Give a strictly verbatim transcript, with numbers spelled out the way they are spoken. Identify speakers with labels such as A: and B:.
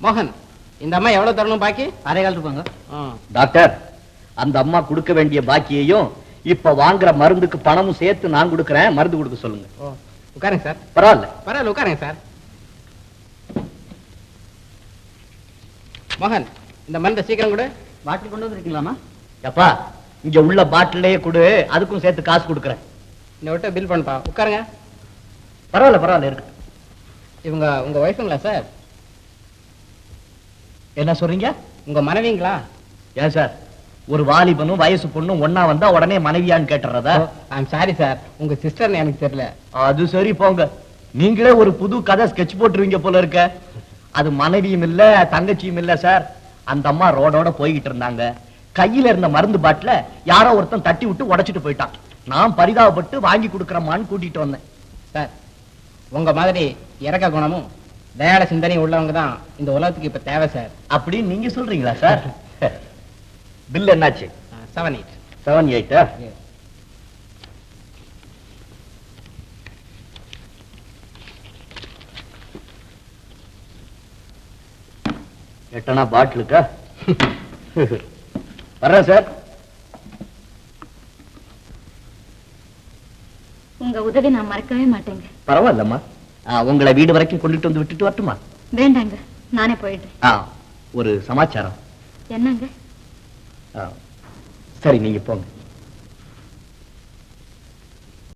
A: மோகன், இந்த அம்மா எவ்வளவு தரணும் பாக்கி?
B: அரை கால் இருப்பாங்க.
C: டாக்டர், அந்த அம்மா கொடுக்க வேண்டிய பாக்கியையும் இப்ப வாங்குற மருந்துக்கு பணமும் சேர்த்து நான் கொடுக்கறேன். மருந்து கொடுக்க சொல்லுங்க.
A: உட்காருங்க சார்.
C: பரவாயில்ல
A: பரவாயில்ல, உட்காருங்க சார். மோகன், இந்த மருந்தை சீக்கிரம் கொடு.
B: பாட்டில் கொண்டு வந்துருக்கீங்களாமா?
C: எப்பா, இங்க உள்ள பாட்டிலே கொடு, அதுக்கும் சேர்த்து காசு கொடுக்கறேன்.
A: இந்த விட்ட பில் பண்ணப்பா. உட்காருங்க.
C: பரவாயில்ல பரவாயில்ல இருக்கு.
A: இவங்க உங்க ஒய்ஃபுங்களா சார்?
C: என்ன சொல்றீங்க?
A: உங்க மனைவிங்களா?
C: ஏன் சார், ஒரு வாலிபனும் வயசு பொண்ணும் ஒன்னா வந்தா உடனே மனைவியான்னு கேட்டுறதா?
A: ஐம் சாரி சார், உங்க சிஸ்டர்னு எனக்கு தெரியல.
C: அது சரி போங்க, நீங்களே ஒரு புது கதை ஸ்கெட்ச் போட்டுருவீங்க போல இருக்க. அது மனைவியும் இல்ல தங்கச்சியும் இல்ல சார். அந்த அம்மா ரோடோட போய்கிட்டு இருந்தாங்க. கையில இருந்த மருந்து பாட்டில யாரோ ஒருத்தன் தட்டி விட்டு உடைச்சிட்டு போயிட்டான். நான் பரிதாபப்பட்டு வாங்கி கொடுக்கறமான்னு கூட்டிட்டு வந்தேன்.
A: சார், உங்க மாதிரி இறக்க குணமும் தயாள சிந்தனையும் உள்ளவங்க தான் இந்த உலகத்துக்கு இப்ப தேவை சார்.
C: அப்படின்னு நீங்க சொல்றீங்களா சார்? பில் என்னாச்சு?
A: செவன் எயிட்
C: செவன் எயிட்டா? எட்டனா பாட்டிலுக்கா? வர்றேன் சார்.
D: உங்க உதவி நான் மறக்கவே மாட்டேங்க.
C: பரவாயில்லம்மா, உங்களை வீடு வரைக்கும் கொண்டுட்டு வந்து விட்டுட்டு வரட்டுமா?
D: வேண்டாங்க, நானே போயிடுறேன்.
C: ஒரு சமாச்சாரம்.
D: என்னங்க?
C: சரி, நீங்க போங்க.